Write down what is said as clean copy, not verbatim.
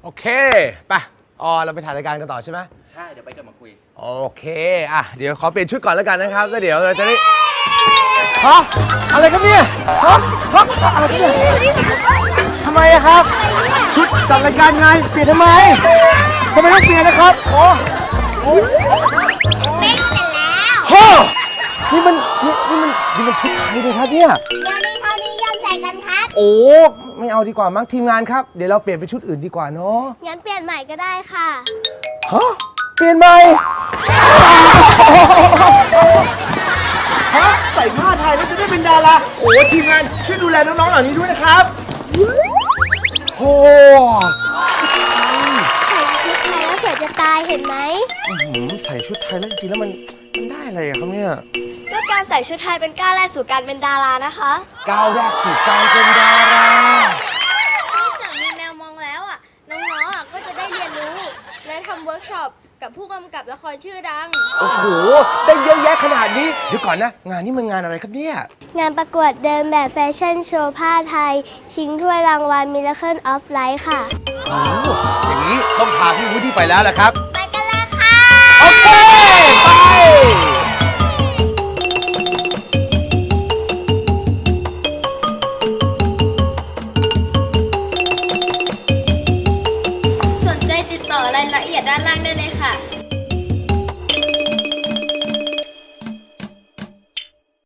โอเคไปเราไปถ่ายรายการกันต่อใช่ไหมใช่เดี๋ยวไปกันมาคุยโอเคเดี๋ยวขอเปลี่ยนชุดก่อนแล้วกันนะครับแล้วเดี๋ยวเราจะได้ฮะอะไรครับเนี่ยฮะอะไรครับเนี่ยทำไมครับชุดจัดรายการไงเปลี่ยนทำไมต้องเปลี่ยนนะครับเต้นเสร็จแล้วฮะนี่มันชุดไทยเลยครับเนี่ยเดี๋ยวนี้เขานิยมใส่กันครับโอ้ไม่เอาดีกว่ามั้งทีมงานครับเดี๋ยวเราเปลี่ยนเป็นชุดอื่นดีกว่าเนาะงั้นเปลี่ยนใหม่ก็ได้ค่ะฮะเปลี่ยนใหม่ฮะใส่ผ้าไทยแล้วจะได้เป็นดาราโอ้ทีมงานช่วยดูแลน้องๆเหล่านี้ด้วยนะครับโอ้ใส่ชุดไทยแล้วสวยจะตายเห็นไหมใส่ชุดไทยแล้วจริงๆแล้วมันได้อะไรอะครับเนี่ยก็การใส่ชุดไทยเป็นก้าวแรกสู่การเป็นดารานะคะก้าวแรกสู่การเป็นดารานอกจากมีแมวมองแล้วน้องๆก็จะได้เรียนรู้และทำเวิร์กช็อปกับผู้กำกับละครชื่อดังโอ้โหได้เยอะแยะขนาดนี้เดี๋ยวก่อนนะงานนี้มันงานอะไรครับเนี่ยงานประกวดเดินแบบแฟชั่นโชว์ผ้าไทยชิงถ้วยรางวัล Miracle of Life ค่ะโอ้อย่างนี้ต้องพาพี่วุฒิไปแล้วแหละครับไปกันเลยค่ะโอเคไปสนใจติดต่อรายละเอียดด้านล่างได้